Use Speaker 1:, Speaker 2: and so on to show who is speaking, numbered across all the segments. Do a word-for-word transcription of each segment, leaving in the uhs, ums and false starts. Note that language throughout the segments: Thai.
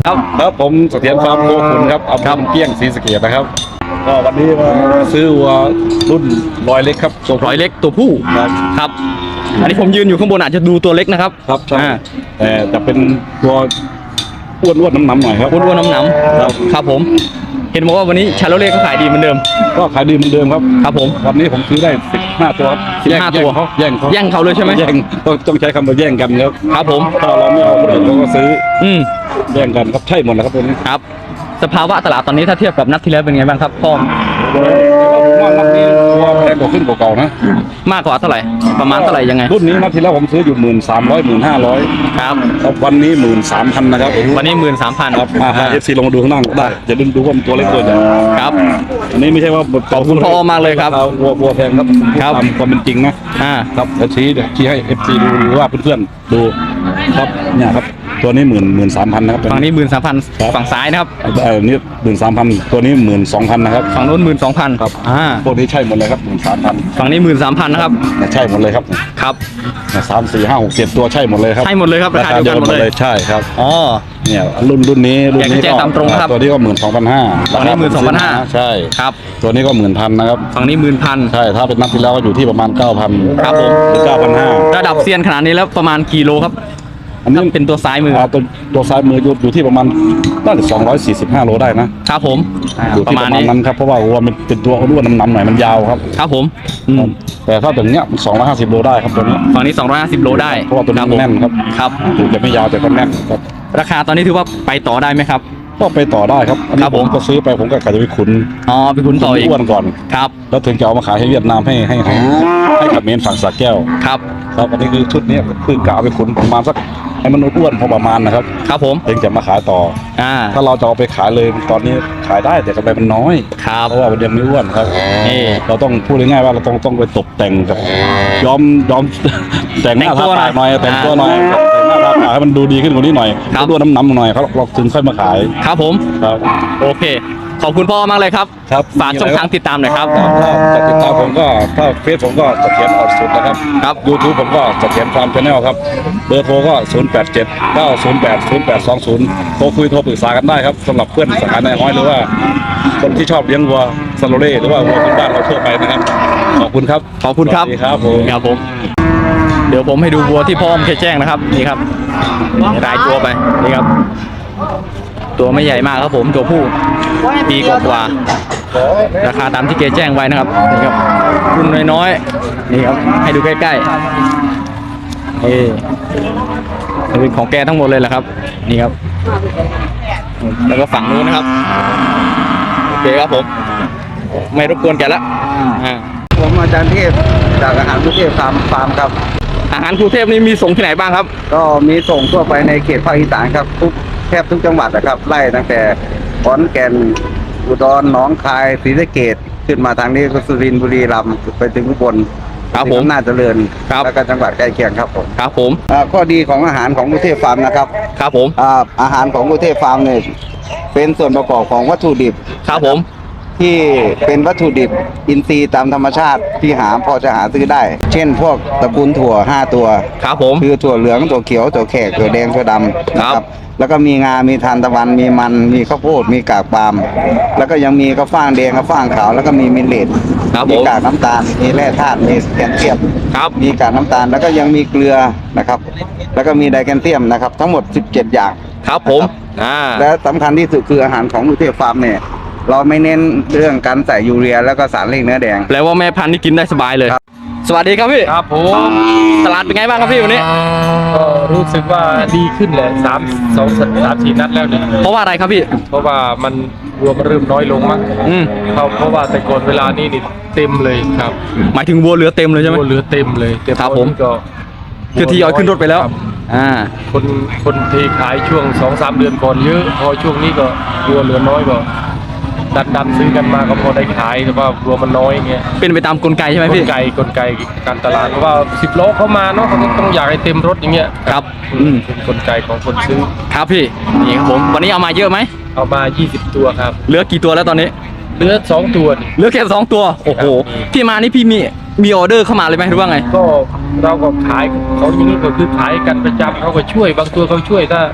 Speaker 1: ครับครับผมเสถียรฟาร์มโคขุนครับอำเภอเกี้ยงศรีสะเกษนะครับก็วันนี้มาซื้อวัวรุ่นรอยเล็กครับตัว
Speaker 2: ร้อยเล็กตัวผู้
Speaker 1: ครับ
Speaker 2: ครับอันนี้ผมยืนอยู่ข้างบนอาจจะดูตัวเล็กนะครับ
Speaker 1: ครับใช่
Speaker 2: อ่า
Speaker 1: แต่จะเป็นตัวอ้วนๆน้ำๆหน่อยครับ
Speaker 2: อ้วนๆน้ำๆครับครับผมเห็นบอกว่าวันนี้ชาโลเล่ก็ขายดีเหมือนเดิม
Speaker 1: ก็ขายดีเหมือนเดิมครับ
Speaker 2: ครับผม
Speaker 1: วันนี้ผมซื้อได้สิบห้าตัว
Speaker 2: สิบห้าตัว
Speaker 1: เขาแย่งเขา
Speaker 2: แย่งเขาเลยใช่ไหม
Speaker 1: แย่งต้องต้องใช้คำว่าแย่งกันครับ
Speaker 2: ครับผม
Speaker 1: ถ้าเราไม่เอาคนอื่นเราก็ซื้อ
Speaker 2: อืม
Speaker 1: แย่งกันครับใช่หมดแล้วครับตัวนี้
Speaker 2: ครับสภาวะตลาดตอนนี้ถ้าเทียบกับนัดที่แล้วเป็นไงบ้างครับพ่อ
Speaker 1: ว่านัดนี้ตัวแพงกว่าขึ้นกว่าเก่านะ
Speaker 2: มากกว่าเท่าไหร่ประมาณเท่าไหร่ยังไง
Speaker 1: รุ่นนี้นัดที่แล้วผมซื้ออยู่หมื่นสามร้อยหมื่นห้าร้อย
Speaker 2: ครับ
Speaker 1: วันนี้หมื่นสามพันนะครับ
Speaker 2: วันนี้หมื่นสามพัน
Speaker 1: ครับมาเอฟซีลงมาดูข้างล่างได้จะดึงดูว่ามันตัวเล็กตัวใหญ่
Speaker 2: ครับ
Speaker 1: อันนี้ไม่ใช่ว่า
Speaker 2: ขอบคุณพ่อมากเลยครับ
Speaker 1: วัววัวแพงครับ
Speaker 2: ครับ
Speaker 1: ตามความเป็นจริงนะ
Speaker 2: อ่า
Speaker 1: ครับเดี๋ยวชี้เดี๋ยวชี้ให้เอฟซีดูหรือว่าเพื่อนๆดูครับเนี่ยครับตัวนี้หมื่นหมื่นสามพันนะครับ
Speaker 2: ฝั่งนี้หมื่นสามพันฝั่งซ้ายนะครับ
Speaker 1: เออนี่หมื่นสามพันตัวนี้หมื่นสองพันนะครับ
Speaker 2: ฝั่งโน้นหมื่นสองพัน
Speaker 1: ครับ
Speaker 2: อ่า
Speaker 1: พวกนี้ใช่หมดเลยครับหมื่นสามพัน
Speaker 2: ฝั่งนี้หมื่นสามพันนะครับ
Speaker 1: ใช่หมดเลยครับ
Speaker 2: ครับ
Speaker 1: สามสี่ห้าหกเจ็ดตัวใช่หมดเลยครับ
Speaker 2: ใช่หมดเลยครับราคาเดียวกันหมดเลย
Speaker 1: ใช่ครับ
Speaker 2: อ๋อ
Speaker 1: เนี่ยรุ่นรุ่นนี้รุ่นนี้
Speaker 2: ก็ตามตรงครับ
Speaker 1: ตัวนี้ก็หมื่นสองพันห้า
Speaker 2: ฝั่งนี้หมื่นสองพันห้า
Speaker 1: ใช่
Speaker 2: ครับ
Speaker 1: ตัวนี้ก็หมื่นพันนะครับ
Speaker 2: ฝั่งนี้หมื่นพัน
Speaker 1: ใช่ถ้าเป็นนัดที่แล้วก็อยู่ที่ประมาณเก้าพัน
Speaker 2: ครับผม
Speaker 1: หรือเก้าพันห้า
Speaker 2: ระดับเซียนขนาดนี้แล้วประมาณกิโลครับ
Speaker 1: อันนี้
Speaker 2: เป็นตัวซ้ายมือ
Speaker 1: ตัวตัวซ้ายมืออยู่อยู่ที่ประมาณน่าจะสองร้อยสี่สิบห้าโลได้นะครับ
Speaker 2: ผม
Speaker 1: อยู่ที่ประมาณนั้นครับเพราะว่าวัวมันเป็นตัวอ้วนน้ำๆหน่อยมันยาวครับ
Speaker 2: ครับผม
Speaker 1: แต่ถ้าแบบเนี้ยสองร้อยห้าสิบโลได้ครับตัวนี้
Speaker 2: ฝั่งนี้สองร้อยห้าสิบโลได้
Speaker 1: เพราะว่าตัวนี้แน่นครับ
Speaker 2: ครับ
Speaker 1: ถึงจะไม่ยาวแต่ก็แน่นครับ
Speaker 2: ราคาตอนนี้ถือว่าไปต่อได้ไหมครับ
Speaker 1: ก็ไปต่อได้ครับอันนี้ผมก็ซื้อไปผมก็กะจะไปขุน
Speaker 2: อ๋อไปขุนต่ออีก
Speaker 1: อ้วนก่อน
Speaker 2: ครับ
Speaker 1: แล้วถึงจะเอามาขายให้เวียดนามให้ให้ให้ให้กับเมนฝั่งสระแก้ว
Speaker 2: ครับ
Speaker 1: ครับอันนี้คือชุดนี้คือกะเอาไปขุนประมาณสักให้มันอ้วนพอประมาณนะครับ
Speaker 2: ครับผม
Speaker 1: ถึงจะมาขายต่อ
Speaker 2: อ่า
Speaker 1: ถ้าเราจะเอาไปขายเลยตอนนี้ขายได้แต่กำไรมันน้อย
Speaker 2: ครับ
Speaker 1: เพราะว่ามันยังไม่อ้วนครับ
Speaker 2: นี่
Speaker 1: เราต้องพูดง่ายๆว่าเราต้องต้องไปตกแต่งกับย้อมย้อมแต่งหน้าทาปากหน่อยแต่งตัวหน่อยแต่งหน้าทาปากให้มันดูดีขึ้นกว่านี้หน่อยดูน้ำน้ำหน่อยเขาเราถึงค่อยมาขาย
Speaker 2: ครับผม
Speaker 1: ครับ
Speaker 2: โอเคขอบคุณพ่อมากเลยครับ
Speaker 1: ครับ
Speaker 2: ฝากช่องทางติดตามหน่อยครับ
Speaker 1: ถ้าจะติดตามผมก็ถ้าเฟซผมก็เสถียรอดสุดนะครับ
Speaker 2: ครับ
Speaker 1: ยูทูบผมก็เสถียรฟาร์มชาแนลครับเบอร์โทรก็ศูนย์ แปด เจ็ด เก้า ศูนย์ แปด ศูนย์ แปด สอง ศูนย์โทรคุยโทรปรึกษากันได้ครับสำหรับเพื่อนสาขาในห้อยหรือว่าคนที่ชอบเลี้ยงวัวซาโลเล่หรือว่าวัวพื้นบ้านเราทั่วไปนะครับขอบคุณครับ
Speaker 2: ขอบคุณครับ
Speaker 1: สวัสดีครับผม
Speaker 2: ครับผมเดี๋ยวผมให้ดูวัวที่พ่อมเคยแจ้งนะครับนี่ครับรายตัวไปนี่ครับตัวไม่ใหญ่มากครับผมตัวผู้ปีกว่าราคาตามที่เกแจ้งไว้นะครับนี่ครับรุ่นน้อยๆนี่ครับให้ดูใกล้ๆนี่เป็นของแกทั้งหมดเลยแหละครับนี่ครับแล้วก็ฝั่งนู้นนะครับโอเคครับผมไม่รบกวนแกละ
Speaker 3: ผมอาจารย์เทพจากอาหารกรุงเทพฟาร์มฟาร์มครับ
Speaker 2: อาหารกรุงเทพนี่มีส่งที่ไหนบ้างครับ
Speaker 3: ก็มีส่งทั่วไปในเขตภาคอีสานครับทุกแทบทุกจังหวัดนะครับไล่ตั้งแต่ขอนแก่นอุดรหนองคายศรีสะเกษขึ้นมาทางนี้ก็สุรินทร์บุรีรัมย์ไปถึงอุบล
Speaker 2: ครับผม
Speaker 3: น่าเจริญแล้วก็จังหวัดใกล้เคียงครับผม
Speaker 2: ครับผม
Speaker 3: ข้อดีของอาหารของกรุงเทพฟาร์มนะครับ
Speaker 2: ครับผม
Speaker 3: อาหารของกรุงเทพฟาร์มเนี่ยเป็นส่วนประกอบของวัตถุดิบ
Speaker 2: ครับผม
Speaker 3: ที่เป็นวัตถุดิบอินทรีย์ตามธรรมชาติที่หาพอจะหาซื้อได้เช่นพวกตระกูลถั่วห้าตัว
Speaker 2: ครับผม
Speaker 3: คือถั่วเหลืองถั่วเขียวถั่วแขกถั่วแดงถั่วดำนะครับแล้วก็มีงา มีทานตะวันมีมันมีข้าวโพดมีกากปาล์มแล้วก็ยังมีข้าวฟ่างแดงข้าวฟ่างขาวแล้วก็มีมิลเลตมีกากน้ำตาลมีแร่ธาตุมีแคลเซียมมีกากน้ำตาลแล้วก็ยังมีเกลือนะครับแล้วก็มีไดแคลเซียมนะครับทั้งหมดสิบเจ็ดอย่าง
Speaker 2: ครับผม
Speaker 3: และสำคัญที่สุดคืออาหารของกรุงเทพฟาร์มเนี่ยเราไม่เน้นเรื่องการใส่ยูเรียแล้วก็สารเร่งเนื้อแดง
Speaker 2: แปลว่าแม่พันธุ์นี่กินได้สบายเลยสวัสดีครับพี่
Speaker 4: ครับผม
Speaker 2: ตลาดเป็นไงบ้างครับพี่วันนี้
Speaker 4: ก็รู้สึกว่าดีขึ้นแหละสามสองสามสี่นัดแล้วเนี่ย
Speaker 2: เพราะว่าอะไรครับพี่
Speaker 4: เพราะว่ามันรวมเริ่มน้อยลงมั้ง
Speaker 2: อืม
Speaker 4: เขาเพราะว่าแต่ก่อนเวลานี้นี่เต็มเลยครับ
Speaker 2: หมายถึงวัวเหลือเต็มเลยใช่ไหม
Speaker 4: วัวเหลือเต็มเลยเต็ม
Speaker 2: ครับผม
Speaker 4: ก็
Speaker 2: คือที่ยอยขึ้นรถไปแล้วอ่า
Speaker 4: คนคนที่ขายช่วงสองสามเดือนก่อนเยอะพอช่วงนี้ก็วัวเหลือน้อยก็ดันดันซื้อกันมาก็พอได้ขายแต่ว่าวัวมันน้อยเงี้ย
Speaker 2: เป็นไปตามกลไกใช่ไหมพี่
Speaker 4: กลไกกลไกการตลาดเพราะว่าสิบโลเข้ามาเนาะเขาต้องอยากให้เต็มรถอย่างเงี้ย
Speaker 2: ครับ
Speaker 4: อืมเป็นกลไกของคนซื้อ
Speaker 2: ครับพี่นี่ครับผมวันนี้เอามาเยอะไหม
Speaker 4: เอามายี่สิบตัวครับ
Speaker 2: เหลือกี่ตัวแล้วตอนนี้
Speaker 4: เหลือสองตัว
Speaker 2: เหลือแค่สองตัวโอ้โหพี่มานี่พี่มีมีออเดอร์เข้ามาเลยไหมหรือว่าไง
Speaker 4: ก็เราก็ขายเขาอย่างนี้ก็คือขายกันประจำเขาก็ช่วยบางตัวเขาช่วยถ้า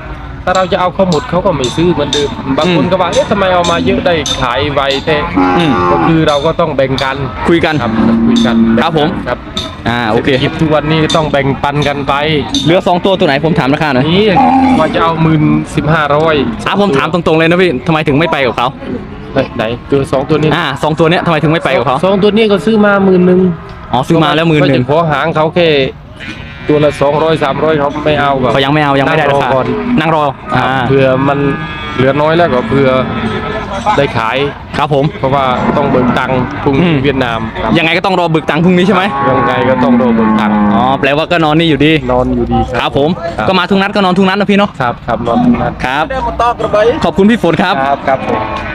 Speaker 4: ถ้าเราจะเอาเขาหมดเขาก็ไม่ซื้อเหมือนเดิมบางคนก็ว่าเอ๊ะทำไมเอามาเยอะได้ขายไวแท้
Speaker 2: อืม
Speaker 4: ก็คือเราก็ต้องแบ่งกัน
Speaker 2: คุยกัน
Speaker 4: ครับคุยกัน
Speaker 2: ครับผม
Speaker 4: ครับ
Speaker 2: อ่าโอเค
Speaker 4: ศรษฐกิจทุกวันนี้ต้องแบ่งปันกันไป
Speaker 2: เหลือสองตัวตัวไหนผมถามราคาหน่อย
Speaker 4: นี่ว่าจะเอาหมื่นสิบห้าร้อย
Speaker 2: อ่ะผมถามตรงๆเลยนะพี่ทำไมถึงไม่ไปกับเขา
Speaker 4: ไหนตัวสองตัวนี้
Speaker 2: อ่าสองตัวเนี้ยทำไมถึงไม่ไปกับเขา
Speaker 4: สองตัวนี้ก็ซื้อมาหมื่นหนึ่ง
Speaker 2: อ๋อซื้อมาแล้วหมื่นหนึ่ง
Speaker 4: ก็จะขอหางเขาแค่ตัวละสองร้อยสามร้อยเขาไม่เอาแบบ
Speaker 2: เขายังไม่เอายังไม่ได้ราคา
Speaker 4: นั่งรอก่อน
Speaker 2: นั่งรออ่า
Speaker 4: เผื่อมันเหลือน้อยแล้วก็เผื่อได้ขาย
Speaker 2: ครับผม
Speaker 4: เพราะว่าต้องเบิกตังค์พรุ่ง
Speaker 2: อื
Speaker 4: นี้
Speaker 2: ม
Speaker 4: เวียดนามครับ
Speaker 2: ยังไงก็ต้องรอบึกตังค์พรุ่งนี้ใช่ไหม
Speaker 4: ยังไงก็ต้องรอเบิกตังค์
Speaker 2: อ๋อแปลว่าก็นอนนี่อยู่ดี
Speaker 4: นอนอยู่ดี
Speaker 2: ครับผม
Speaker 4: ครับ
Speaker 2: ก็มาทุกนัดก็นอนทุกนัดนะพี่เนาะ
Speaker 4: ครับครับนอนทุกนัด
Speaker 2: ครับ ขอบคุณพี่ฝนครับ
Speaker 4: ครับครับผม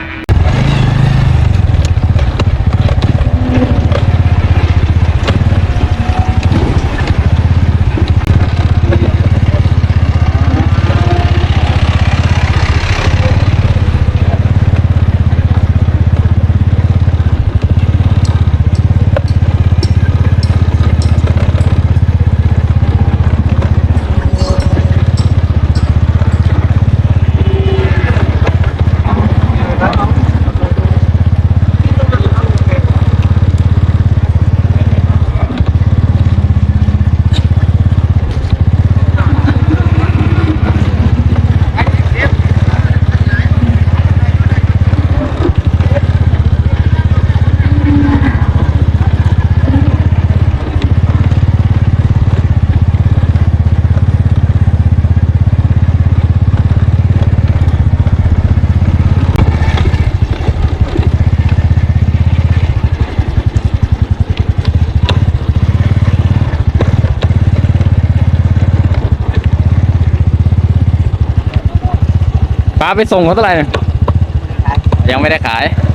Speaker 2: ป้าไปส่งเขาเท่าไหร่เนี่ยยังไม่ได้ขาย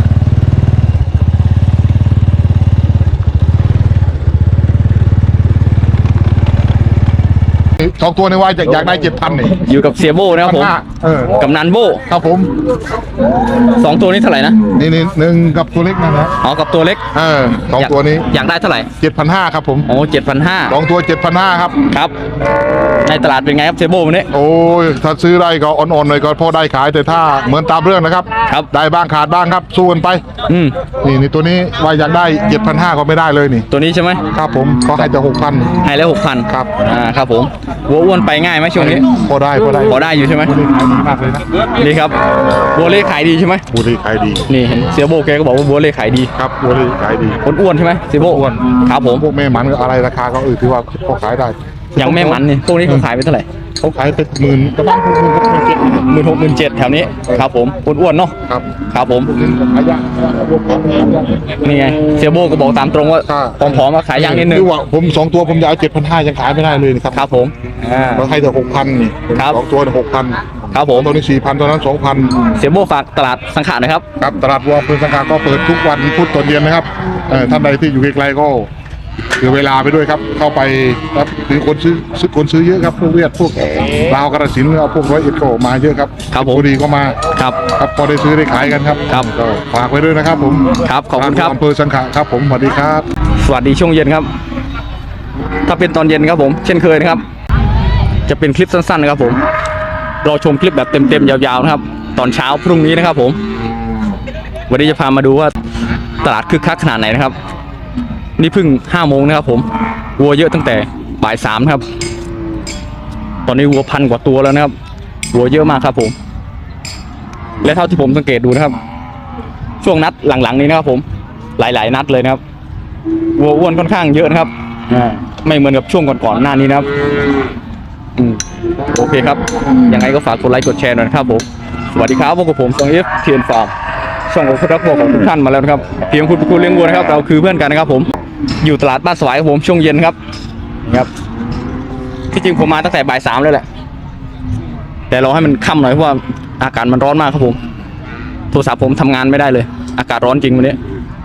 Speaker 5: สองตัวในว่าอยากอยากได้เจ็ดพันนี่
Speaker 2: อยู่กับเสียโบนะครับผม
Speaker 5: พันห้าเออ
Speaker 2: กับนันโบ
Speaker 5: ครับผม
Speaker 2: สองตัวนี้เท่าไหร่นะ
Speaker 5: นี่นี่หนึ่งกับตัวเล็กนะนะ
Speaker 2: อ๋อกับตัวเล็ก
Speaker 5: เออสองตัวนี้
Speaker 2: อยากได้เท่าไหร่
Speaker 5: เจ็ดพันห้าครับผม
Speaker 2: โอ้เจ็ดพันห้า
Speaker 5: สองตัวเจ็ดพันห้าครับ
Speaker 2: ครับ ในตลาดเป็นไงครับเสียโบวันนี้
Speaker 5: โอ้ยถ้าซื้อได้ก็อ่อนๆหน่อยก็พอได้ขายแต่ถ้าเหมือนตามเรื่องนะครับ
Speaker 2: ครับ
Speaker 5: ได้บ้างขาดบ้างครับสู้กันไป
Speaker 2: อืม
Speaker 5: นี่นี่ตัวนี้ว่าอยากได้เจ็ดพันห้าก็ไม่ได้เลยนี่
Speaker 2: ตัวนี้ใช่ไหม
Speaker 5: ครับผมก็ให้แต่หกพัน
Speaker 2: ให้แล้วหกพัน
Speaker 5: ครับ
Speaker 2: อ่าครับผมวัวอ้วนไปง่ายไหมช่วงนี้
Speaker 5: พอได้พอได้
Speaker 2: พอได้อยู่ใช่ไหม
Speaker 5: ตัวนี้ขายดีมากเลยนะ
Speaker 2: นี่ครับวัวเล่ขายดีใช่ไหม
Speaker 5: ตัวนี้ขายดี
Speaker 2: นี่เห็นเสียโบแกก็บอกว่าวัวเล่ขายดี
Speaker 5: ครับตัวนี้ขายดี
Speaker 2: คนอ้วนใช่ไหมเสียโบ
Speaker 5: อ้วน
Speaker 2: ครับผม
Speaker 5: พวกแม่หมันก็อะไรราคาก็เออถือว่าพอขายได้
Speaker 2: ยังแม่มันนี่พวกนี้เขาขายไปเท่าไหร่
Speaker 5: เขาขายเป็นหมื่นกระบ้างหมื่นหกหมื่นเจ็ด
Speaker 2: หมื่นหกหมื่นเจ็ดแถวนี้ครับผมอ้วนๆเนาะ
Speaker 5: ครับ
Speaker 2: ครับผม
Speaker 5: ขายยากพวกของขายยาก
Speaker 2: นี่ไงเสียโบก็บอกตามตรงว่า
Speaker 5: ค่ะ
Speaker 2: ผอมๆมาขายยางนิดนึง
Speaker 5: คือว่าผมสองตัวผมจะเอาเจ็ดพันห้ายังขายไม่ได้เลยนะครับ
Speaker 2: ครับผมอ่า
Speaker 5: เราให้แต่หกพันนี่
Speaker 2: ครับ
Speaker 5: สองตัวหกพัน
Speaker 2: ครับผม
Speaker 5: ตัวนี้สี่พันตัวนั้นสองพัน
Speaker 2: เสียโบฝากตลาดสังขารหนะครับ
Speaker 5: ครับตลาดวัวเพื่อนสังขารก็เปิดทุกวันพุธตอนเย็นนะครับเอ่อท่านใดที่อยู่ไกลๆก็ถือเวลาไปด้วยครับ เข้าไปครับมีคนซื้อซื้อคนซื้อเยอะครับพวกเวียดพวกลาวกระสินธุ์เอาพวกร้อยเอ็ดก็มาเยอะครับ
Speaker 2: ครับผม
Speaker 5: บุรีก็มา
Speaker 2: ครับ
Speaker 5: ครับพอได้ซื้อได้ขายกันครับ
Speaker 2: ครับ
Speaker 5: ก็ฝากไว้ด้วยนะครับผม
Speaker 2: ครับขอบคุณครับ
Speaker 5: อำเภอสังขะครับผมสวัสดีครับ
Speaker 2: สวัสดีช่วงเย็นครับ ถ้าเป็นตอนเย็นครับผม เช่นเคยนะครับ จะเป็นคลิปสั้นๆนะครับผม รอชมคลิปแบบเต็มๆยาวๆนะครับ ตอนเช้าพรุ่งนี้นะครับผม วันนี้จะพามาดูว่าตลาดคึกคักขนาดไหนนะครับ นี่เพิ่งห้าโมงนะครับผมวัวเยอะตั้งแต่บ่ายสามนะครับ ตอนนี้วัวพันกว่าตัวแล้วนะครับวัวเยอะมากครับผม และเท่าที่ผมสังเกตดูนะครับ ช่วงนัดหลังๆนี้นะครับผม หลายๆนัดเลยนะครับวัวอ้วนค่อนข้างเยอะนะครับไม่เหมือนกับช่วงก่อนๆหน้านี้นะครับอืมโอเคครับยังไงก็ฝากกดไลค์กดแชร์หน่อยนะครับผมสวัสดีครับพวกบผมซองเอฟเทียนฟาร์มช่องของคุณรักวัวของทุกท่านมาแล้วนะครับเพียงคุณเป็นคุณเลี้ยงวัวนะครับเราคือเพื่อนกันนะครับผมอยู่ตลาดบ้านสวายครับผมช่วงเย็นครับครับที่จริงผมมาตั้งแต่บ่ายสามเลยแหละแต่รอให้มันค่ำหน่อยเพราะว่าอากาศมันร้อนมากครับผมโทรศัพท์ผมทำงานไม่ได้เลยอากาศร้อนจริงวันนี้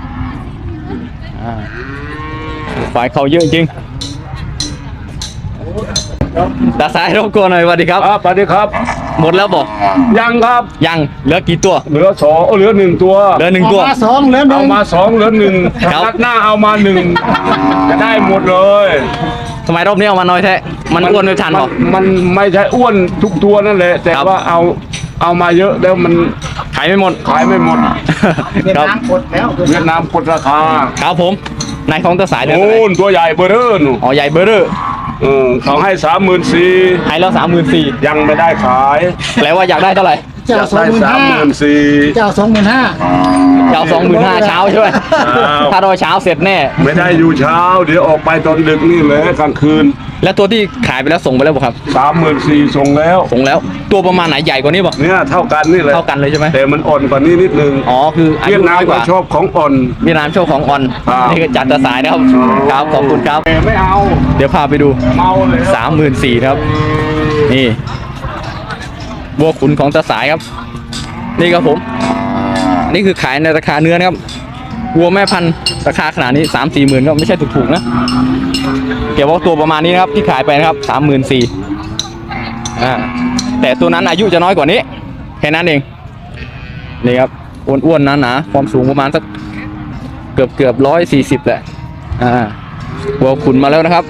Speaker 2: ฝ่ายเขาเยอะจริงตาซ้ายรบกวนหน่อยสวัสดีครับ
Speaker 1: ครับสวัสดีครับ
Speaker 2: หมดแล้วบอก
Speaker 1: ยังครับ
Speaker 2: ยังเหลือกี่ตัว
Speaker 1: เหลือสองเหลือหนึ่งตัว
Speaker 2: เหลือหนึ่งตัว
Speaker 5: สองแล้ว
Speaker 1: เอามาสองเหลือหนึ่ง
Speaker 2: ครับ
Speaker 1: นัดหน้าเอามาหนึ่งจะได้หมดเลย
Speaker 2: ททำไมรอบนี้เอามาน้อยแท้มันอ้วนไม่ทันหรอ
Speaker 6: มันไม่ใช่อ้วนทุกตัวนั่นแหละ แต่
Speaker 2: ครับ
Speaker 6: ว่าเอาเอามาเยอะแล้วมัน
Speaker 2: ขายไม่หมด
Speaker 6: ขายไม่หมด
Speaker 2: ครับ
Speaker 6: เวียดนามกดราคา
Speaker 2: ครับผมนายของตาสายเดือน
Speaker 6: โอ้นตัวใหญ่เบอร์เร่อหนู
Speaker 2: อ๋อใหญ่เบอร์เรอร์
Speaker 6: เออเขาให้สามหมื่นสี่
Speaker 2: ให้แล้วสามหมื่นสี่
Speaker 6: ยังไม่ได้ขาย
Speaker 2: แปลว่าอยากได้เท่าไหร่
Speaker 6: อยากได้สามหมื่นสี่
Speaker 7: เจ้าสองหมื่นห้า
Speaker 2: จะเอาสองหมื่นห้าเช้าใช่ไหม
Speaker 6: ครับ
Speaker 2: ถ้ารอเช้าเสร็จแน่
Speaker 6: ไม่ได้อยู่เช้า เดี๋ยวออกไปตอนดึกนี่แหละกลางคืน
Speaker 2: แล้วตัวที่ขายไปแล้วส่งไปแล้วบ่ครับ
Speaker 6: สามหมื่นสี่ส่งแล้ว
Speaker 2: ส่งแล้วตัวประมาณไหนใหญ่กว่านี้บ่
Speaker 6: เนี่ยเท่ากันนี่แหละ
Speaker 2: เท่ากันเลยใช่ไหม
Speaker 6: แต่มันอ่อนกว่านี้นิดนึง
Speaker 2: อ๋อคืออา
Speaker 6: เวี
Speaker 2: ยุ
Speaker 6: ยดนา
Speaker 2: น้
Speaker 6: ม
Speaker 2: อยก
Speaker 6: ก็
Speaker 2: ว่า
Speaker 6: ชอบของอ่อน
Speaker 2: เวียดนามโชว์ของออน
Speaker 6: ครับ
Speaker 2: นี่ก็จัดตาสายนะครับครับขอบคุณครับ
Speaker 6: แต่ไม่เอา
Speaker 2: เดี๋ยวพาไปดู
Speaker 6: เมาเลย
Speaker 2: สามหมื่นสี่ครับ นี่บัวขุนของตาสายครับ นี่ครับผมอันนี้คือขายในราคาเนื้อนะครับวัวแม่พันธุ์ราคาขนาดนี้สามสี่หมื่นก็ไม่ใช่ถูกๆนะเกี่ยวว่าตัวประมาณนี้นะครับที่ขายไปนะครับสามหมื่นสี่อ่าแต่ตัวนั้นอายุจะน้อยกว่านี้แค่นั้นเองนี่ครับอ้วนๆหนาๆความสูงประมาณสักเกือบเกือบร้อยสี่สิบแหละอ่าวัวขุนมาแล้วนะครับ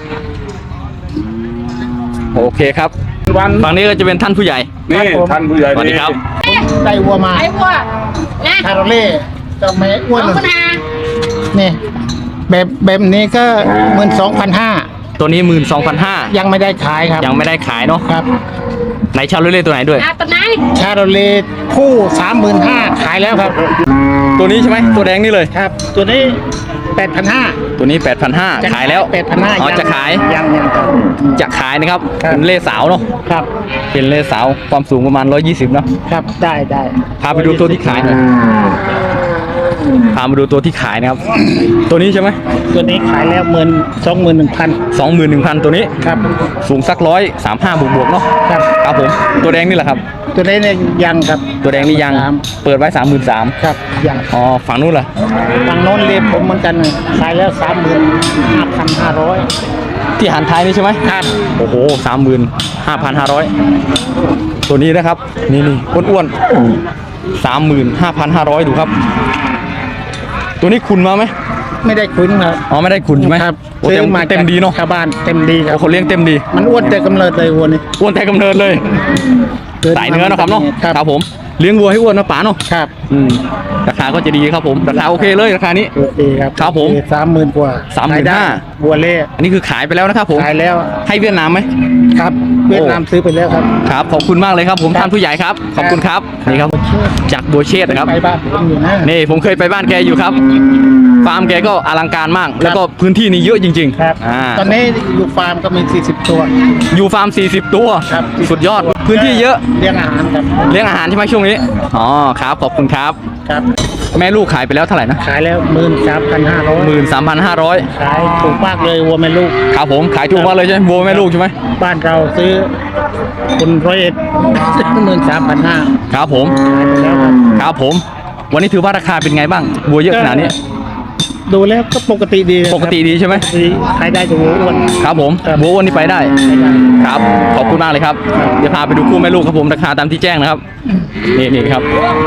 Speaker 2: โอเคครับ
Speaker 6: วัน
Speaker 2: ฝั่งนี้ก็จะเป็นท่านผู้ใหญ่
Speaker 6: นี่ท่านผู้ใหญ่
Speaker 2: สวัสดีครับ
Speaker 7: ได้วัวมา
Speaker 8: ไอ้วัวนะ
Speaker 7: คาร์เล่จะไม่อ้วน
Speaker 8: สองพันห้า
Speaker 7: นี่แบบแบบนี้ก็หมื่นสองพันห้า
Speaker 2: ตัวนี้หมื่นสองพันห้า
Speaker 7: ยังไม่ได้ขายครับ
Speaker 2: ยังไม่ได้ขายเนาะ
Speaker 7: ครับ
Speaker 2: ไหนชาโลเล่ตัวไหนด้วย
Speaker 8: อ่ะตอนไหน
Speaker 7: ชาร์เล่คู่สามหมื่นห้าขายแล้วครับ
Speaker 2: ตัวนี้ใช่ไหมตัวแดงนี่เลย
Speaker 7: ครับ ตัวนี้แปดพันห้า
Speaker 2: ตัวนี้ แปดพันห้าร้อย ขายแล้ว
Speaker 7: แปดพันห้า
Speaker 2: อ๋อจะขาย
Speaker 7: ยังยังครับ
Speaker 2: จะขายนะครับ
Speaker 7: ครับ
Speaker 2: เป็นเล่สาวเนาะ
Speaker 7: ครับ
Speaker 2: เป็นเล่สาวความสูงประมาณร้อยยี่สิบเนาะ
Speaker 7: ครับได้ได้
Speaker 2: พาไปดูตัวที่ขายหน่อยพามาดูตัวที่ขายนะครับ ตัวนี้ใช่ไหม
Speaker 7: ตัวนี้ขายแล้วหมื่นสองหมื่นหนึ่งพัน
Speaker 2: สองหมื่นหนึ่งพันตัวนี้
Speaker 7: ครับ
Speaker 2: สูงสักร้อยสามห้าบวกบวกๆเนาะ
Speaker 7: ครับ
Speaker 2: ครับผมตัวแดงนี่แหละครับ
Speaker 7: ตัวนี้เนี่ยยังครับ
Speaker 2: ตัวแดงนี่ยัง
Speaker 7: สาม
Speaker 2: เปิดไว้สามหมื่นสาม
Speaker 7: ครับยัง
Speaker 2: อ๋อฝั่งนู้นล่ะ
Speaker 7: ทางโน้นเรียบผมเหมือนกันขายแล้วสามหมื่นห้าพันห้าร้อย
Speaker 2: ที่หันท้ายนี่ใช่ไหม
Speaker 7: ครับ
Speaker 2: โอ้โหสามหมื่นห้าพันห้าร้อยตัวนี้นะครับ นี่นี่อ้วนๆสามหมื่นห้าพันห้าร้อยดูครับ ตัวนี้คุณมาไหม
Speaker 7: ไม่ได้คุ้นครับ
Speaker 2: อ๋อไม่ได้คุณใช่ไหม
Speaker 7: ครับ
Speaker 2: โอ้เต็ม
Speaker 7: ซื้อมา
Speaker 2: เต็มดีเนาะ
Speaker 7: ชาวบ้านเต็มดีครับ
Speaker 2: โอ้คนเลี้ยงเต็มดี
Speaker 7: มันอ้วนแต่กำเนิดเลยวัวนี่
Speaker 2: อ้วนแต่กำเนิดเลยสายเนื้อเนาะครับเนาะ
Speaker 7: ครับ
Speaker 2: ครับผมเลี้ยงวัวให้อ้วนนะป๋าเนาะ
Speaker 7: ครับ
Speaker 2: อืมราคาก็จะดีครับผมราคาโอเคเลยราคานี้
Speaker 7: โอเคครับ
Speaker 2: ครับผม
Speaker 7: สามหมื่นกว่า
Speaker 2: สามหมื่นห้า
Speaker 7: ขยได้วัวเล่
Speaker 2: อันนี้คือขายไปแล้วนะครับผม
Speaker 7: ขายแล้ว
Speaker 2: ให้เวียดนามไหม
Speaker 7: ครับเวียดนามซื้อไปแล้วครับ
Speaker 2: ครับขอบคุณมากเลยครับผม
Speaker 7: ครับ
Speaker 2: ท่านผู้ใหญ่ครับขอบคุณครับนี่ครับจากบัวเชษฐ์นะครับ
Speaker 7: ไปบ้านผมอยู่นะ
Speaker 2: นี่ผมเคยไปบ้านแกอยู่ครับฟาร์มแกก็อลังการมาก แล้วก็พื้นที่นี่เยอะจริง
Speaker 7: ครับ
Speaker 2: ๆอ่า
Speaker 7: ตอนนี้อยู่ฟาร์มก็มีสี่สิบตัว
Speaker 2: อยู่ฟาร์มสี่สิบตัว
Speaker 7: ครับ
Speaker 2: สุดยอดพื้นที่เยอะ
Speaker 7: เลี้ยงอาหารครับ
Speaker 2: เลี้ยงอาหารใช่ไหมช่วงนี้อ๋อครับขอบคุณครับ
Speaker 7: ครับ
Speaker 2: แม่ลูกขายไปแล้วเท่าไหร่นะ
Speaker 7: ขายแล้วหมื่นสามพันห้าร้อย
Speaker 2: หมื่นสามพันห้าร้อย
Speaker 7: ขายถูกมากเลยวัวแม่ลูก
Speaker 2: ครับผมขายถูกมากเลยใช่ไหมวัวแม่ลูกใช่ไหม
Speaker 7: บ้านเราซื้อคนร้อยเอ็ดหมื่นสามพันห้า
Speaker 2: ครับผม
Speaker 7: ขายไปแล้วครับ
Speaker 2: ครับผม วันนี้ถือว่าราคาเป็นไงบ้างวัวเยอะขนาดนี้
Speaker 7: ดูแล้วก็ปกติดีนะครับ
Speaker 2: ปกติดีใช่ไหม
Speaker 7: ดีขายได้แต่วัวอ้วน
Speaker 2: ครับผม
Speaker 7: ครับ
Speaker 2: วัววันนี้ไปได้
Speaker 7: ขายได้
Speaker 2: ครับ ขอบคุณมากเลยครับ เดี๋ยวพาไปดูคู่แม่ลูกครับผม ราคาตามที่แจ้งนะครับ นี่นี่ครับ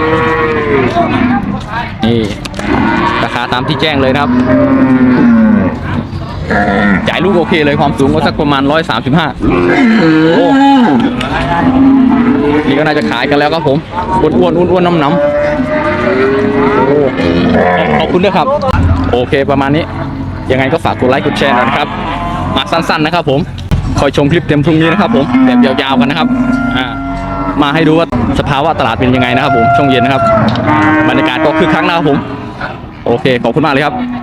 Speaker 2: นี่ ราคาตามที่แจ้งเลยนะครับ จ่ายลูกโอเคเลยความสูงก็สักประมาณร้อยสามสิบห้าโอ้นี่ก็น่าจะขายกันแล้วครับผม อ้วนอ้วนอ้วนอ้วนน้ำน้ำโอ้ขอบคุณด้วยครับ โอเคประมาณนี้ ยังไงก็ฝากกดไลค์กดแชร์หน่อยนะครับ มาสั้นๆนะครับผม คอยชมคลิปเต็มพรุ่งนี้นะครับผมแบบยาวๆกันนะครับ อ่า มาให้ดูว่าสภาวะตลาดเป็นยังไงนะครับผม ช่วงเย็นนะครับ บรรยากาศก็คึกคักนะครับผม โอเค ขอบคุณมากเลยครับ